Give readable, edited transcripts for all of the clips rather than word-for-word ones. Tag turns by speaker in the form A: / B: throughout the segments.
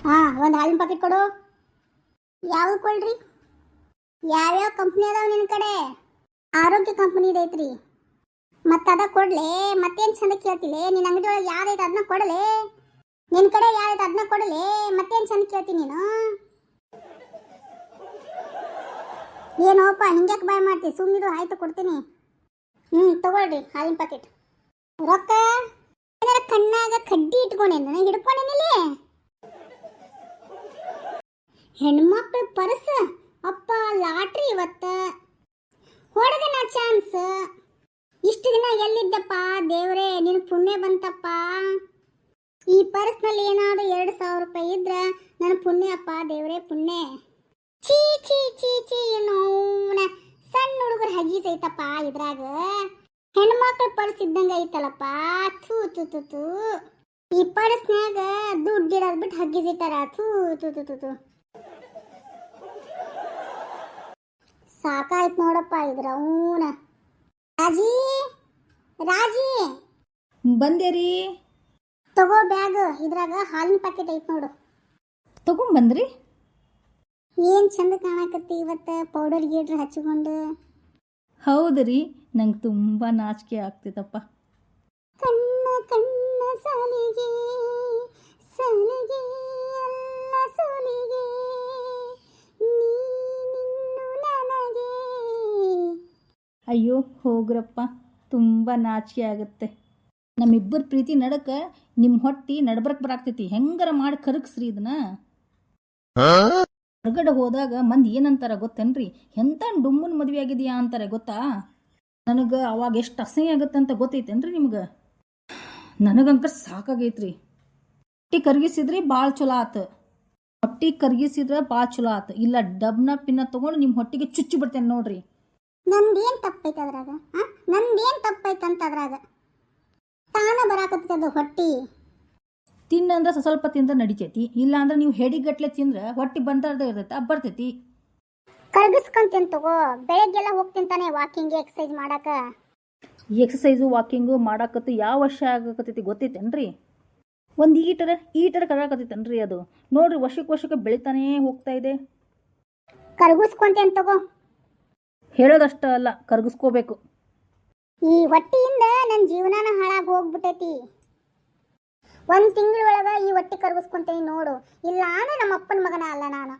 A: ಒಂದು ಹಾಲಿನ ಪ್ಯಾಕೆಟ್ ಕೊಡು. ಯಾವ್ದು ಕೊಡ್ರಿ? ಯಾವ್ಯಾವ ಕಂಪ್ನಿ ಅದಾವ ನಿನ್ನ ಕಡೆ? ಆರೋಗ್ಯ ಕಂಪ್ನಿ ಐತ್ರಿ. ಮತ್ತೆ ಅದ ಕೊಡ್ಲೆ, ಮತ್ತೇನು ಚಂದ ಕೇಳ್ತಿಲೆ? ನಿನ್ನ ಅಂಗಡಿ ಒಳಗೆ ಯಾವ್ದೈತೆ ಅದನ್ನ ಕೊಡಲೆ. ನಿನ್ನ ಕಡೆ ಯಾವ್ದೈತೆ ಅದನ್ನ ಕೊಡಲೆ, ಮತ್ತೇನು ಚಂದ ಕೇಳ್ತೀನಿ ನೀನು? ಏನೋಪ್ಪ ಹಿಂಗ್ಯಾಕೆ ಬಾಯ್ ಮಾಡ್ತಿ? ಸುಮ್ಮನಿರು, ಆಯ್ತು ಕೊಡ್ತೀನಿ. ತಗೊಳ್ರಿ ಹಾಲಿನ ಪ್ಯಾಕೆಟ್. ರೊಕ್ಕ ಏನಾರ ಕಣ್ಣಾಗ ಕಡ್ಡಿ ಇಟ್ಕೊಂಡೇನ? ಹಿಡ್ಕೊಂಡೇನಿಲ್ಲಿ ಹೆಣ್ಮಕ್ಳ ಪರ್ಸ್. ಅಪ್ಪ ಲಾಟ್ರಿ ಇವತ್ತ ಹೊಡೆದ ನಾ ಚಾನ್ಸ್. ಇಷ್ಟು ದಿನ ಎಲ್ಲಿದ್ದಪ್ಪ ದೇವ್ರೇ, ನಿನ್ ಪುಣ್ಯ ಬಂತಪ್ಪ. ಈ ಪರ್ಸ್ನಲ್ಲಿ ಏನಾದ್ರು 2,000 ರೂಪಾಯಿ ಇದ್ರ ನನ್ನ ಪುಣ್ಯ ಅಪ್ಪ ದೇವ್ರೇ, ಪುಣ್ಯ. ಚೀ ಚೀ ಚೀ ಚೀ ನೋನ ಸಣ್ಣ ಹುಡುಗರು ಹಗೀಸ್ ಐತಪ್ಪ ಇದ್ರಾಗ. ಹೆಣ್ಮಕ್ಳ ಪರ್ಸ್ ಇದ್ದಂಗ ಐತಲ್ಲಪ್ಪ. ಥೂ ತು ತು ತು. ಈ ಪರ್ಸ್ನ್ಯಾಗ ದುಡ್ಡಿಡೋದ್ ಬಿಟ್ಟು ಹಗ್ಗಿಸಿಟ್ಟಾರ. ಥೂ ತು ತು ತು ತು. ಸಾಕಾಯ್ತು ನೋಡಪ್ಪ ಇದ್ರ. ರಾಜಿ ರಾಜಿ
B: ಬಂದೇರಿ.
A: ತಗೋ ಬ್ಯಾಗ್. ಇದ್ರಾಗ ಹಾಲಿನ ಪ್ಯಾಕೆಟ್ ಐತ್ ನೋಡು.
B: ತಗೊಂಬಂದ್ರಿ?
A: ಏನ್ ಚಂದ ಕಾಣಕತ್ತಿ ಇವತ್ತ, ಪೌಡರ್ ಗೀಡ್ರ್ ಹಚ್ಚಿಕೊಂಡು.
B: ಹೌದ್ರಿ, ನಂಗೆ ತುಂಬ ನಾಚಿಕೆ ಆಗ್ತಿತ್ತಪ್ಪ.
A: ಕಣ್ಣ ಕಣ್ಣ ಸಾಲಿಗೆ ಸಾಲಿಗೆ ಎಲ್ಲ ಸೋಲಿಗೆ ನೀನಿನ್ನು ನನಗೆ.
B: ಅಯ್ಯೋ ಹೋಗ್ರಪ್ಪ, ತುಂಬ ನಾಚಿಕೆ ಆಗುತ್ತೆ. ನಮ್ಮಿಬ್ಬರ ಪ್ರೀತಿ ನಡಕ ನಿಮ್ಮ ಹೊಟ್ಟಿ ನಡ್ಬರಕ್ ಬರಾಕ್ತೈತಿ. ಹೆಂಗಾರ ಮಾಡಿ ಕರಗಿಸ್ರಿ ಇದನ್ನ. ಹೊರಗಡೆ ಹೋದಾಗ ಮಂದಿ ಏನಂತಾರ ಗೊತ್ತೇನ್ರಿ? ಎಂತ ಡುಮ್ಮನ್ ಮದುವೆ ಆಗಿದೆಯಾ ಅಂತಾರೆ ಗೊತ್ತಾ? ನನಗೆ ಅವಾಗ ಎಷ್ಟು ಅಸಹ್ಯ ಆಗುತ್ತಂತ ಗೊತ್ತೈತೇನ್ರಿ ನಿಮ್ಗೆ? ನನಗಂಕರ್ ಸಾಕಾಗೈತ್ರಿ. ಹೊಟ್ಟಿ ಕರ್ಗಿಸಿದ್ರಿ ಭಾಳ ಚಲೋ ಆತು. ಹೊಟ್ಟಿ ಕರ್ಗಿಸಿದ್ರೆ ಭಾಳ ಚಲೋ ಆತು. ಇಲ್ಲ ಡಬ್ನ ಪಿನ್ನ ತೊಗೊಂಡು ನಿಮ್ಮ ಹೊಟ್ಟಿಗೆ ಚುಚ್ಚಿ ಬಿಡ್ತೇನೆ ನೋಡ್ರಿ.
A: ನಂದೇನ್ ತಪ್ಪೈತೆ ಅದ್ರಾಗ? ನಂದೇನ್ ತಪ್ಪೈತಂತ ಅದ್ರಾಗ? ತಾನ ಬರಾಕತ್ತದ ಹೊಟ್ಟಿ.
B: ತಿನ್ನಂದ್ರೆ ಸ್ವಲ್ಪ ತಿಂದ್ರೆ ನಡಿತೈತಿ. ಇಲ್ಲ ಅಂದ್ರೆ ನೀವು ಹೆಡಿಗಟ್ಲೆ ತಿಂದ್ರೆ ಹೊಟ್ಟಿ ಬಂದಾರ್ದ ಇರ್ತೈತೆ, ಬರ್ತೈತಿ.
A: ಕರ್ಗಿಸ್ಕೊಂತೀನಿ ತಗೋ. ಬೆಳಗ್ಗೆಲ್ಲ ಹೋಗ್ತೀನಿ ತಾನೆ ವಾಕಿಂಗ್ ಎಕ್ಸಸೈಸ್ ಮಾಡಾಕ.
B: ಎಕ್ಸಸೈಸು ವಾಕಿಂಗು ಮಾಡಾಕತ್ತು ಯಾವ ವರ್ಷ ಆಗಕತ್ತೈತಿ ಗೊತ್ತೈತೇನ್ರಿ? ಒಂದು ಈಟರ ಕರಾಕತ್ತೈತೇನ್ರಿ ಅದು? ನೋಡ್ರಿ, ವರ್ಷಕ್ಕೆ ಬೆಳಿತಾನೇ ಹೋಗ್ತಾ ಇದೆ.
A: ಕರ್ಗಿಸ್ಕೊಂತೀನಿ ತಗೋ.
B: ಹೇಳೋದಷ್ಟ ಅಲ್ಲ, ಕರ್ಗಿಸ್ಕೋಬೇಕು.
A: ಈ ಹೊಟ್ಟಿಯಿಂದ ನನ್ನ ಜೀವನಾನ ಹಾಳಾಗಿ ಹೋಗ್ಬಿಟ್ಟೈತಿ. 1 ತಿಂಗಳೊಳಗ ಈ ಹೊಟ್ಟಿ ಕರ್ಗಿಸ್ಕೊಂತೀನಿ ನೋಡು. ಇಲ್ಲ ಅಂದ್ರೆ ನಮ್ಮ ಅಪ್ಪನ ಮಗನ ಅಲ್ಲ ನಾನು.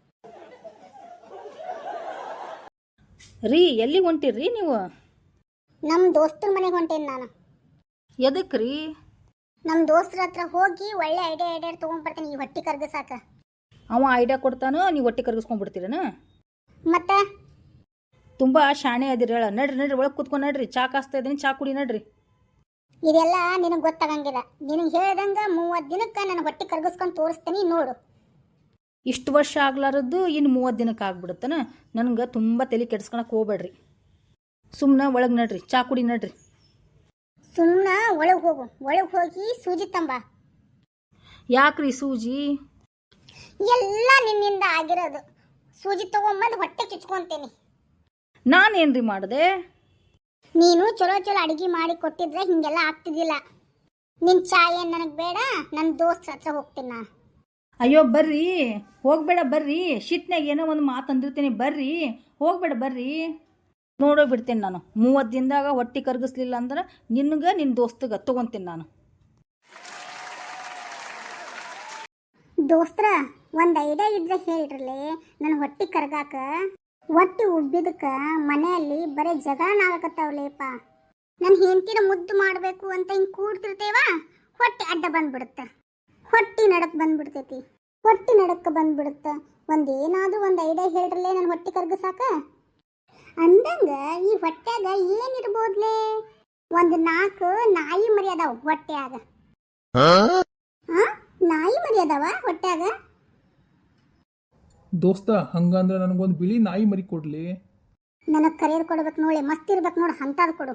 B: ರೀ, ಎಲ್ಲಿ ಹೊಂಟಿರ್ರಿ ನೀವು?
A: ನಮ್ಮ ದೋಸ್ತರ ಮನೆಗೆ ಹೊಂಟೇನಿ ನಾನು.
B: ಎದಕ್ಕೆ ರೀ?
A: ನಮ್ಮ ದೋಸ್ತರ ಹತ್ರ ಹೋಗಿ ಒಳ್ಳೆ ಐಡಿಯಾ ತೊಗೊಂಡ್ಬರ್ತೀನಿ ಈ ಹೊಟ್ಟಿ ಕರ್ಗಿಸಾಕ.
B: ಅವ ಐಡಿಯಾ ಕೊಡ್ತಾನೋ, ನೀವು ಹೊಟ್ಟಿ ಕರ್ಗಿಸ್ಕೊಂಡ್ಬಿಡ್ತೀರನ?
A: ಮತ್ತೆ
B: ತುಂಬ ಶಾಣೆ ಅದಿರಿ. ಹೇಳ ನಡ್ರಿ ಒಳಗೆ ಕೂತ್ಕೊಂಡು ನಡ್ರಿ. ಚಾ ಕಾಸ್ತಾ ಇದ್ದೀನಿ, ಚಾ ಕುಡಿ ನಡ್ರಿ.
A: ಇದೆಲ್ಲ ನಿನಗೆ ಗೊತ್ತಾಗಂಗಿಲ್ಲ. ನಿನಗೆ ಹೇಳ್ದಂಗೆ 30 ದಿನಕ್ಕೆ ನಾನು ಹೊಟ್ಟಿ ಕರ್ಗಿಸ್ಕೊಂಡು ತೋರಿಸ್ತೀನಿ ನೋಡು.
B: ಇಷ್ಟು ವರ್ಷ ಆಗ್ಲಾರದ್ದು ಇನ್ನು 30 ದಿನಕ್ಕೆ ಆಗ್ಬಿಡುತ್ತನ? ನನಗೆ ತುಂಬ ತಲೆ ಕೆಡ್ಸ್ಕೊಳಕ್ಕೆ ಹೋಗ್ಬೇಡ್ರಿ. ಸುಮ್ಮನೆ ಒಳಗೆ ನಡ್ರಿ, ಚಾ ಕುಡಿ ನಡ್ರಿ.
A: ಸುಮ್ಮನೆ ಒಳಗೆ ಹೋಗು. ಒಳಗೆ ಹೋಗಿ ಸೂಜಿ ತಂಬ.
B: ಯಾಕ್ರಿ ಸೂಜಿ?
A: ಎಲ್ಲ ನಿನ್ನಿಂದ ಆಗಿರೋದು. ಸೂಜಿ ತಗೊಂಬಂದು ಹೊಟ್ಟೆ ಚುಚ್ಕೊಂತೀನಿ.
B: ನಾನೇನ್ರಿ ಮಾಡಿದೆ?
A: ನೀನು ಚಲೋ ಅಡಿಗೆ ಮಾಡಿ ಕೊಟ್ಟಿದ್ರೆ ಹಿಂಗೆಲ್ಲ ಆಗ್ತಿದ್ದಿಲ್ಲ. ನಿನ್ನ ಚಾ ಏನು ನನಗೆ ಬೇಡ. ನನ್ನ ದೋಸ್ತ ಹತ್ರ ಹೋಗ್ತೀನಿ ನಾನು.
B: ಅಯ್ಯೋ ಬರ್ರಿ, ಹೋಗ್ಬೇಡ ಬರ್ರಿ. ಶಿಟ್ನಾಗ ಏನೋ ಒಂದು ಮಾತು ಅಂದಿರ್ತೀನಿ, ಬರ್ರಿ. ಹೋಗ್ಬೇಡ ಬರ್ರಿ. ನೋಡೋ ಬಿಡ್ತೇನೆ ನಾನು. 30 ದಿನದಾಗ ಹೊಟ್ಟಿ ಕರ್ಗಿಸ್ಲಿಲ್ಲ ಅಂದ್ರೆ ನಿನ್ಗೆ ನಿನ್ನ ದೋಸ್ತಗೆ ತೊಗೊತೀನಿ ನಾನು.
A: ದೋಸ್ತ್ರ, ಒಂದು ಐಡಿಯಾ ಇದ್ರೆ ಹೇಳ್ರಲಿ. ನನ್ನ ಹೊಟ್ಟಿ ಕರ್ಗಾಕ. ಹೊಟ್ಟಿ ಉಬ್ಬಿದಕ್ಕ ಮನೆಯಲ್ಲಿ ಬರೀ ಜಗಳನ ಆಗಕತ್ತಾವಲೇಪ. ನನ್ನ ಹೆಂಡತಿನ ಮುದ್ದು ಮಾಡಬೇಕು ಅಂತ ಹಿಂಗೆ ಕೂಡ್ತಿರ್ತೇವ, ಹೊಟ್ಟಿ ಅಡ್ಡ ಬಂದ್ಬಿಡುತ್ತೆ. ಹೊಟ್ಟಿ ನಡಕ್ ಬಂದ್ಬಿಡ್ತೈತಿ. ಹೊಟ್ಟಿ ನಡಕ್ಕೆ ಬಂದ್ಬಿಡುತ್ತೆ. ಒಂದೇನಾದ್ರೂ ಒಂದು ಐಡಿಯಾ ಹೇಳ್ರಲ್ಲೇ ನನ್ನ ಹೊಟ್ಟಿ ಕರ್ಗಸಾಕ. ಅಂದಂಗ ಈ ಹೊಟ್ಟ್ಯಾಗ ಏನಿರ್ಬೋದ್ಲೇ? 4 ನಾಯಿ ಮರಿ ಅದಾವ ಹೊಟ್ಟ್ಯಾಗ. ನಾಯಿ ಮರಿ ಅದಾವ ಹೊಟ್ಟ್ಯಾಗ?
C: ದೋಸ್ತ, ಹಂಗಂದ್ರೆ ನನಗೊಂದು ಬಿಳಿ ನಾಯಿ ಮರಿ ಕೊಡ್ಲಿ.
A: ನನಗೆ ಕರಿಯರ್ ಕೊಡ್ಬೇಕು ನೋಡಿ. ಮಸ್ತ್ ಇರ್ಬೇಕು ನೋಡಿ, ಅಂತಾದ್ ಕೊಡು.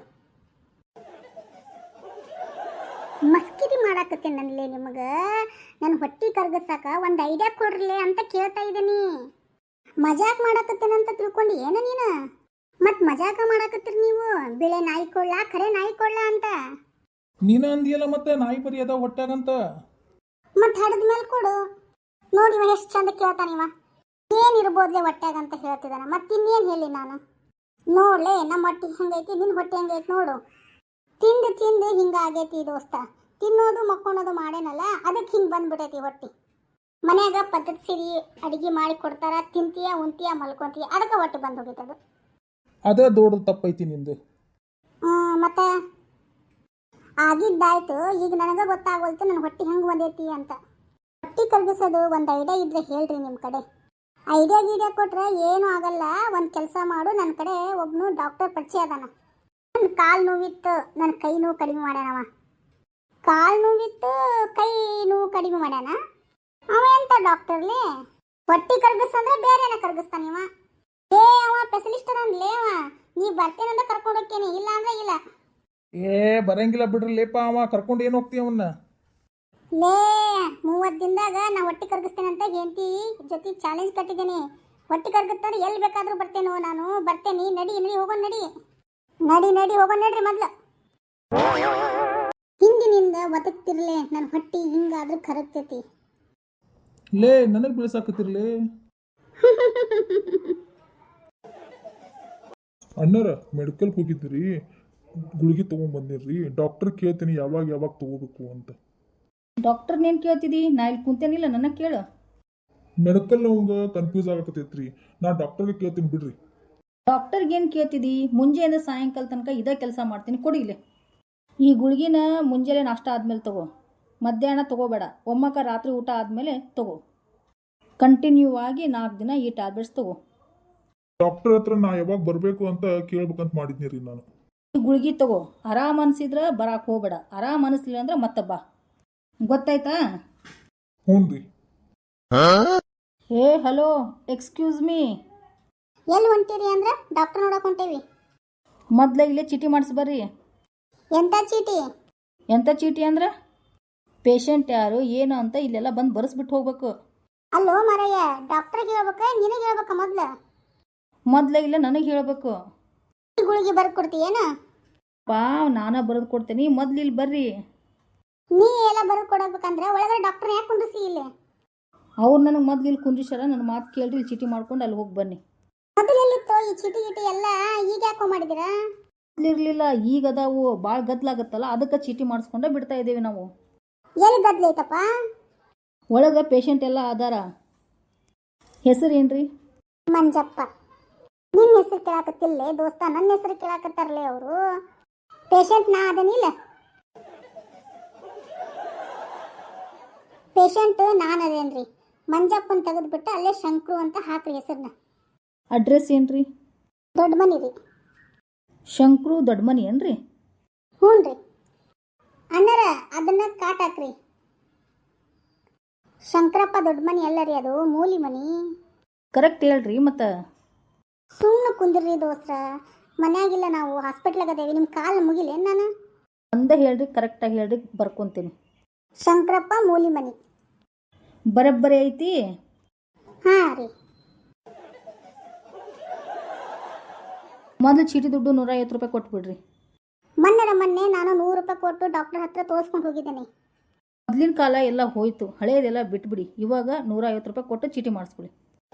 A: ಮಸ್ಕಿರಿ ಮಾಡಾಕತ್ತೀನಿ ನನ್ಲೇ ನಿಮಗೆ. ನನ್ನ ಹೊಟ್ಟಿ ಕರ್ಗಸಾಕ ಒಂದು ಐಡಿಯಾ ಕೊಡ್ರಲೇ ಅಂತ ಕೇಳ್ತಾ ಇದ್ದೀನಿ. ಮಜಾಕ್ ಮಾಡಾಕತ್ತೇನಂತ ತಿಳ್ಕೊಂಡು ಏನ ನೀನು? ಮತ್ತು ಮಜಾಕ ಮಾಡಾಕತ್ತೀರಿ ನೀವು. ಬಿಳೆ ನಾಯಿ ಕೊಡ್ಲಾ, ಖರೆ ನಾಯಿ ಕೊಡ್ಲಾ ಅಂತ?
C: ನೀನ ಅಂದಿಯಲ್ಲ ಮತ್ತೆ ನಾಯಿ ಮರಿ ಅದಾವ ಹೊಟ್ಯಾಗಂತ.
A: ಮತ್ತು ಹಡದ ಮೇಲೆ ಕೊಡು. ನೋಡಿ ಇವ ಎಷ್ಟು ಚಂದ ಕೇಳ್ತಾನಿವ. ಏನಿರ್ಬೋದ್ಲೆ ಹೊಟ್ಯಾಗ ಅಂತ ಹೇಳ್ತಿದ್ದಾನ. ಮತ್ತಿನ್ನೇನು ಹೇಳಿ ನಾನು? ನೋಡ್ಲೆ ನಮ್ಮ ಹೊಟ್ಟೆ ಹೆಂಗೈತಿ, ನಿನ್ನ ಹೊಟ್ಟೆ ಹೆಂಗೈತಿ ನೋಡು. ತಿಂದು ತಿಂದು ಹಿಂಗಾಗೈತಿ ದೋಸ್ತ. ತಿನ್ನೋದು ಮಕ್ಕೊಳೋದು ಮಾಡೇನಲ್ಲ, ಅದಕ್ಕೆ ಹಿಂಗೆ ಬಂದ್ಬಿಟ್ಟೈತಿ ಹೊಟ್ಟೆ. ಮನ್ಯಾಗ ಪದ್ಧತಿ ಸಿರಿ ಅಡಿಗೆ ಮಾಡಿ ಕೊಡ್ತಾರ, ತಿಂತೀಯ ಉಂತೀಯ ಮಲ್ಕೊಂತೀಯ, ಅದಕ್ಕೆ ಹೊಟ್ಟೆ ಬಂದು ಹೋಗಿತ್ತದು.
C: ಅದೇ ದೊಡ್ಡ ತಪ್ಪೈತಿ ನಿಂದು.
A: ಮತ್ತೆ ಆಗಿದ್ದಾಯ್ತು. ಈಗ ನನಗೆ ಗೊತ್ತಾಗೋಲ್ತು ನನ್ನ ಹೊಟ್ಟೆ ಹೆಂಗೆ ಬಂದೈತಿ ಅಂತ. ಹೊಟ್ಟೆ ಕರಗಿಸೋದು ಒಂದು ಐಡಿಯಾ ಇದ್ರೆ ಹೇಳ್ರಿ ನಿಮ್ಮ ಕಡೆ. ಐಡಿಯಾ ಗೀಡಿಯಾ ಕೊಟ್ರೆ ಏನೂ ಆಗಲ್ಲ. ಒಂದು ಕೆಲಸ ಮಾಡು, ನನ್ನ ಕಡೆ ಒಬ್ಬನು ಡಾಕ್ಟರ್ ಪರಿಚಯ ಅದಾನ. ನನ್ನ ಕಾಲು ನೋವಿತ್ತು, ನನ್ನ ಕೈ ನೋವು ಕಡಿಮೆ ಮಾಡ್ಯಾನವ. ಕಾಲು ನೋವಿತ್ತು, ಕೈ ನೋವು ಕಡಿಮೆ ಮಾಡ್ಯಾನ. ಅವ ಎಂತ ಡಾಕ್ಟರ್ಲಿ? ಹೊಟ್ಟೆ ಕರಗಿಸಂದ್ರೆ ಬೇರೆನ ಕರಗಿಸ್ತಾನಿವ. ಅವ ಸ್ಪೆಷಲಿಸ್ಟ್ ಅದಾನ್ಲೇ ಅವ. ನೀ ಬರ್ತೇನಂತ ಕರ್ಕೊಂಡು ಹೋಗ್ತೇನೆ, ಇಲ್ಲ ಅಂದ್ರೆ ಇಲ್ಲ.
C: ಬರಂಗಿಲ್ಲ ಬಿಡ್ರಿ ಲೇಪ, ಅವ ಕರ್ಕೊಂಡು ಏನು ಹೋಗ್ತೀವಿ ಅವನ್ನ?
A: ಲೇ 30 ದಿನದಾಗ ನಾ ಹೊಟ್ಟೆ ಕರ್ಗಿಸ್ತೇನೆ ಅಂತ ಹೆಂಡತಿ ಜೊತೆ ಚಾಲೆಂಜ್ ಕಟ್ಟಿದ್ದೀನಿ. ಹೊಟ್ಟೆ ಕರ್ಗುತ್ತಾರೆ ಎಲ್ಲಿ ಬೇಕಾದ್ರೂ ಬರ್ತೇನೋ ನಾನು, ಬರ್ತೇನೆ. ನಡಿ ನಡಿ ಹೋಗೋಣ, ನಡಿ ನಡಿ ನಡಿ ಹೋಗೋಣ ನಡ್ರಿ. ಮೊದ್ಲು ಹಿಂದಿನಿಂದ ಬದುಕ್ತಿರ್ಲೆ ನನ್ನ ಹೊಟ್ಟೆ ಹಿಂಗಾದ್ರೂ ಕರಗ್ತೈತಿ.
C: ಲೇ ನನಗೆ ಬೆಳೆಸಾಕತ್ತಿರ್ಲಿ.
D: ಅಣ್ಣರ ಮೆಡಿಕಲ್ ಹೋಗಿದ್ರಿ, ಗುಳಿಗೆ ತೊಗೊಂಬಂದಿರ್ರಿ. ಡಾಕ್ಟರ್ ಕೇಳ್ತೀನಿ ಯಾವಾಗ ಯಾವಾಗ ತೊಗೋಬೇಕು ಅಂತ.
B: ಡಾಕ್ಟರ್ನೇನು ಕೇಳ್ತಿದ್ದಿ? ನಾ ಇಲ್ಲಿ ಕುಂತೇನಿಲ್ಲ, ನನಗೆ ಕೇಳು.
D: ಮೆಡಿಕಲ್ ಅವಂಗ ಕನ್ಫ್ಯೂಸ್ ಆಗಕತ್ತೈತ್ರಿ. ನಾ ಡಾಕ್ಟರ್ಗೆ ಕೇಳ್ತೀನಿ ಬಿಡ್ರಿ.
B: ಡಾಕ್ಟರ್ಗೇನು ಕೇಳ್ತಿದ್ದಿ? ಮುಂಜಾನೆ ಸಾಯಂಕಾಲ ತನಕ ಇದೇ ಕೆಲಸ ಮಾಡ್ತೀನಿ, ಕೊಡಿಲೆ. ಈ ಗುಳಿಗಿನ ಮುಂಜಾನೆ ನಾಷ್ಟ ಆದಮೇಲೆ ತಗೋ, ಮಧ್ಯಾಹ್ನ ತಗೋಬೇಡ. ಒಮ್ಮಕ್ಕ ರಾತ್ರಿ ಊಟ ಆದಮೇಲೆ ತಗೋ. ಕಂಟಿನ್ಯೂ ಆಗಿ 4 ದಿನ ಈ ಟ್ಯಾಬ್ಲೆಟ್ಸ್ ತಗೋ.
D: ಡಾಕ್ಟರ್ ಹತ್ರ ನಾ ಯಾವಾಗ ಬರಬೇಕು ಅಂತ ಕೇಳ್ಬೇಕಂತ ಮಾಡಿದ್ನಿ ರೀ ನಾನು.
B: ಈ ಗುಳಿಗೆ ತಗೋ. ಆರಾಮ್ ಅನಿಸಿದ್ರೆ ಬರಾಕ್ ಹೋಗ್ಬೇಡ. ಆರಾಮ್ ಅನಿಸ್ಲಿಲ್ಲ ಅಂದ್ರೆ ಮತ್ತೆ ಬಾ, ಗೊತ್ತಾಯ್ತಾ?
D: ಹ್ಞೂ ರೀ.
B: ಹೇ ಹಲೋ, ಎಕ್ಸ್ಕ್ಯೂಸ್ ಮೀ.
A: ಎಲ್ಲಿ ಹೊಂಟಿರಿ ಅಂದ್ರೆ ಡಾಕ್ಟರ್ ನೋಡಕ್ ಹೊಂಟೇವಿ.
B: ಮೊದ್ಲ ಇಲ್ಲೇ ಚೀಟಿ ಮಾಡಿಸಿ ಬರ್ರಿ.
A: ಎಂತ ಚೀಟಿ?
B: ಎಂಥ ಚೀಟಿ ಅಂದ್ರೆ ಪೇಷಂಟ್ ಯಾರು ಏನು ಅಂತ ಇಲ್ಲೆಲ್ಲ ಬಂದು ಬರೆಸ್ಬಿಟ್ಟು ಹೋಗ್ಬೇಕು.
A: ಅಲ್ಲೋ ಮರಯ್ಯ, ಡಾಕ್ಟರ್ಗೆ ಹೇಳ್ಬೇಕ ನಿನಗೆ ಹೇಳ್ಬೇಕ?
B: ಮೊದ್ಲ ಇಲ್ಲ ನನಗೆ ಹೇಳಬೇಕು.
A: ಗುಳಿಗೆ ಬರ್ದು ಕೊಡ್ತೀಯೇನ?
B: ಪಾ ನಾನ ಬರೆದು ಕೊಡ್ತೀನಿ, ಮೊದ್ಲು ಇಲ್ಲಿ ಬರ್ರಿ.
A: ನೀ ಎಲ್ಲ ಬರ್ದು ಕೊಡಬೇಕಂದ್ರೆ ಒಳಗಡೆ ಡಾಕ್ಟರ್ ಯಾಕೆ ಕುಂದಿಸಿ ಇಲ್ಲಿ?
B: ಅವ್ರು ನನಗೆ ಮೊದ್ಲು ಇಲ್ಲಿ ಕುಂದ್ರಿಸ್ಯಾರ, ನನ್ನ ಮಾತು ಕೇಳ್ರಿ, ಇಲ್ಲಿ ಚೀಟಿ ಮಾಡ್ಕೊಂಡು ಅಲ್ಲಿ ಹೋಗಿ ಬನ್ನಿ.
A: ಮೊದಲೆಲ್ಲಿತ್ತು ಈ ಚೀಟಿ ಗೀಟಿ ಎಲ್ಲ? ಈಗ ಯಾಕೋ ಮಾಡಿದಿರಾ?
B: ಮೊದ್ಲಿರ್ಲಿಲ್ಲ, ಈಗ ಅದಾವು. ಭಾಳ ಗದ್ಲಾಗತ್ತಲ್ಲ, ಅದಕ್ಕೆ ಚೀಟಿ ಮಾಡಿಸ್ಕೊಂಡೆ ಬಿಡ್ತಾ ಇದ್ದೇವೆ ನಾವು.
A: ಎಲ್ಲಿ ಗದ್ಲೈತಪ್ಪ?
B: ಒಳಗೆ ಪೇಷಂಟ್ ಎಲ್ಲ ಅದಾರ. ಹೆಸರು ಏನ್ರಿ?
A: ಮಂಜಪ್ಪ. ನಿನ್ನ ಹೆಸರು ಕೇಳಾಕತ್ತಿಲ್ಲೇ ದೋಸ್ತ, ನನ್ನ ಹೆಸರು ಕೇಳಾಕತ್ತಾರಲೇ ಅವರು. ಪೇಷಂಟ್ ನಾ ಅದನಿಲ್ಲ, ಪೇಷಂಟ್ ನಾನು ಅದೇನ್ರಿ. ಮಂಜಪ್ಪನ ತೆಗೆದ್ಬಿಟ್ಟು ಅಲ್ಲೇ ಶಂಕ್ರು ಅಂತ ಹಾಕ್ರಿ ಹೆಸರನ್ನ.
B: ಅಡ್ರೆಸ್ ಏನ್ರಿ?
A: ದೊಡ್ಡ ಮನಿ ರೀ.
B: ಶಂಕ್ರು ದೊಡ್ಡ ಮನಿ ಏನ್ರಿ?
A: ಹ್ಞೂ ರೀ. ಅಣ್ಣರ ಅದನ್ನ ಕಾಟ್ ಹಾಕ್ರಿ. ಶಂಕರಪ್ಪ ದೊಡ್ಡ ಮನಿ ಅಲ್ಲ ರೀ, ಅದು ಮೂಲಿ ಮನಿ.
B: ಕರೆಕ್ಟ್ ಹೇಳ್ರಿ. ಮತ್ತು
A: ಸುಮ್ಮನೆ ಕುಂದಿರ್ರಿ ದೋಸ್ತ್ರ, ಮನ್ಯಾಗಿಲ್ಲ ನಾವು, ಹಾಸ್ಪಿಟ್ಲಾಗ ಅದೇವಿ. ನಿಮ್ಮ ಕಾಲು ಮುಗಿಲೇನು ನಾನು?
B: ಒಂದೇ ಹೇಳ್ರಿ, ಕರೆಕ್ಟಾಗಿ ಹೇಳ್ರಿ, ಬರ್ಕೊಂತೀನಿ.
A: ಶಂಕರಪ್ಪ ಮೂಲಿ ಮನಿ
B: ಬರಬ್ಬರಿ ಐತಿ.
A: ಹಾಂ ರೀ.
B: ಮೊದಲು ಚೀಟಿ ದುಡ್ಡು 150 ರೂಪಾಯಿ ಕೊಟ್ಬಿಡ್ರಿ.
A: ಮೊನ್ನೆ ನಾನು 100 ರೂಪಾಯಿ ಕೊಟ್ಟು ಡಾಕ್ಟರ್ ಹತ್ರ ತೋರಿಸ್ಕೊಂಡು ಹೋಗಿದ್ದೇನೆ.
B: ಮೊದಲಿನ ಕಾಲ ಎಲ್ಲ ಹೋಯ್ತು, ಹಳೇದೆಲ್ಲ ಬಿಟ್ಬಿಡಿ. ಇವಾಗ 150 ರೂಪಾಯಿ ಕೊಟ್ಟು ಚೀಟಿ ಮಾಡಿಸ್ಬಿಡಿ.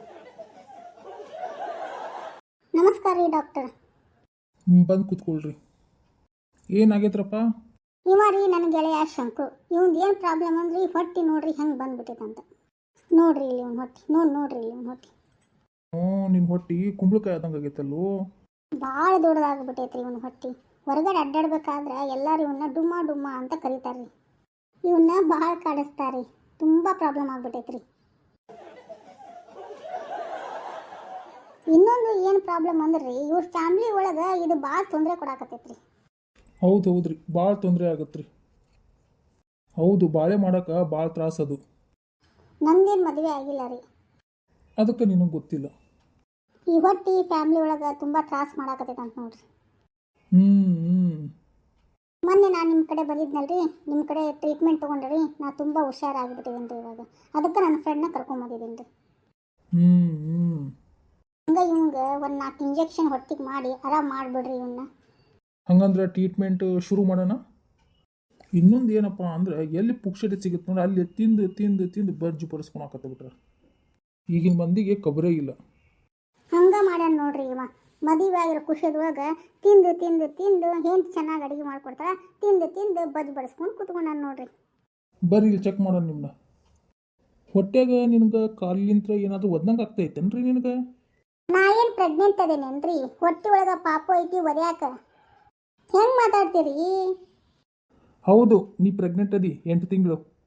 A: ನಮಸ್ಕಾರ ರೀ ಡಾಕ್ಟರ್.
C: ಬಂದು ಕೂತ್ಕೊಳ್ರಿ. ಏನಾಗೈತ್ರಪ್ಪ?
A: ಇವ ರೀ ನನ್ನ ಗೆಳೆಯ ಶಂಕು. ಇವಂದು ಏನು ಪ್ರಾಬ್ಲಮ್ ಅಂದ್ರೆ ಈ ಹೊಟ್ಟೆ ನೋಡ್ರಿ ಹೆಂಗೆ ಬಂದ್ಬಿಟ್ಟೈತಂತ. ನೋಡ್ರಿ ಇಲ್ಲಿ ಇವ್ನ ಹೊಟ್ಟೆ, ನೋಡ್ರಿ ಇಲ್ಲಿ ಇವ್ನ ಹೊಟ್ಟೆ.
C: ನಿನ್ನ ಹೊಟ್ಟಿ ಕುಂಬಳಕಾಯಿ ಆದಂಗೆ ಆಗೈತಲ್ಲೋ.
A: ಭಾಳ ದೊಡ್ಡದಾಗ್ಬಿಟ್ಟೈತ್ರಿ ಇವನ ಹೊಟ್ಟೆ. ಹೊರಗಡೆ ಅಡ್ಡಾಡ್ಬೇಕಾದ್ರೆ ಎಲ್ಲರೂ ಇವನ್ನ ಡುಮ್ಮ ಡುಮ್ಮ ಅಂತ ಕರೀತಾರ್ರಿ. ಇವನ್ನ ಭಾಳ ಕಾಡಿಸ್ತಾರೆ. ತುಂಬ ಪ್ರಾಬ್ಲಮ್ ಆಗ್ಬಿಟ್ಟೈತ್ರಿ. ಇನ್ನೊಂದು ಏನು ಪ್ರಾಬ್ಲಮ್ ಅಂದ್ರೆ ಇವ್ರ ಫ್ಯಾಮ್ಲಿ ಒಳಗೆ ಇದು ಭಾಳ ತೊಂದರೆ ಕೊಡಾಕತ್ತೈತ್ರಿ.
C: ಹೌದ್ರಿ, ಭಾಳ ತೊಂದರೆ ಆಗತ್ರಿ. ಹೌದು, ಬಾಳೆ ಮಾಡೋಕೆ ಭಾಳ ತ್ರಾಸದು.
A: ನಂದೇನು ಮದುವೆ ಆಗಿಲ್ಲ ರೀ,
C: ಅದಕ್ಕೆ ನಿನಗೆ ಗೊತ್ತಿಲ್ಲ.
A: ಈ ಹೊಟ್ಟಿ ಫ್ಯಾಮ್ಲಿ ಒಳಗೆ ತುಂಬ ತ್ರಾಸ ಮಾಡಾಕತ್ತೈತೆ ಅಂತ ನೋಡ್ರಿ. ಮೊನ್ನೆ ನಾನು ನಿಮ್ಮ ಕಡೆ ಬಂದಿದ್ನಲ್ರಿ, ನಿಮ್ಮ ಕಡೆ ಟ್ರೀಟ್ಮೆಂಟ್ ತೊಗೊಂಡ್ರಿ. ನಾ ತುಂಬ ಹುಷಾರಾಗಿಬಿಟ್ಟಿದ್ದೀನಿ ರೀ ಇವಾಗ. ಅದಕ್ಕೆ ನನ್ನ ಫ್ರೆಂಡ್ನ ಕರ್ಕೊಂಬಂದಿದ್ದೀನಿ ರೀ. ಹಂಗೆ ಇವಂಗೆ ಒಂದು 4 ಇಂಜೆಕ್ಷನ್ ಹೊಟ್ಟಿಗೆ ಮಾಡಿ ಆರಾಮ್ ಮಾಡಿಬಿಡ್ರಿ ಇವನ್ನ.
C: ಹಂಗಂದ್ರೆ ಟ್ರೀಟ್ಮೆಂಟ್ ಶುರು ಮಾಡೋಣ? ಇನ್ನೊಂದು ಏನಪ್ಪ ಅಂದ್ರೆ ಎಲ್ಲಿ ಪುಕ್ಷಟೆ ಸಿಗುತ್ತೆ ನೋಡಿ ಅಲ್ಲಿ ತಿಂದು ತಿಂದು ತಿಂದು ಬರ್ಜಿ ಬರೆಸ್ಕೊಳಕತ್ತ ಬಿಟ್ರೆ ಈಗಿನ ಮಂದಿಗೆ ಕಬರೇ ಇಲ್ಲ.
A: ಹಂಗ ಮಾಡ್ಯಾನ ನೋಡ್ರಿ ಇವ. ಮದುವೆ ಆಗಿರೋ ಖುಷಿಯದೊಳಗೆ ತಿಂದು ತಿಂದು ತಿಂದು ಹೆಂಡ್ತಿ ಚೆನ್ನಾಗಿ ಅಡುಗೆ ಮಾಡ್ಕೊಡ್ತಾರ, ತಿಂದು ತಿಂದು ಬಜ್ ಬಡಿಸ್ಕೊಂಡು ಕುತ್ಕೊಂಡಾನ ನೋಡ್ರಿ.
C: ಬರ್ರಿ ಇಲ್ಲಿ ಚೆಕ್ ಮಾಡೋಣ ನಿಮ್ಮನ್ನ. ಹೊಟ್ಯಾಗ ನಿನ್ಗೆ ಕಾಲಿಂತ್ರ ಏನಾದರೂ ಒದ್ನಂಗೆ ಆಗ್ತೈತೇನ್ರಿ ನಿನಗೆ?
A: ನಾ ಏನು ಪ್ರೆಗ್ನೆಂಟ್ ಅದೇನೇನ್ರಿ? ಹೊಟ್ಟೆ ಒಳಗೆ ಪಾಪ ಐತಿ ಒದ್ಯಾಕ. ಹೆಂಗೆ ಮಾತಾಡ್ತೀರಿ?
C: ಹೌದು, ನೀ ಪ್ರೆಗ್ನೆಂಟ್ ಅದಿ 8 ತಿಂಗಳು.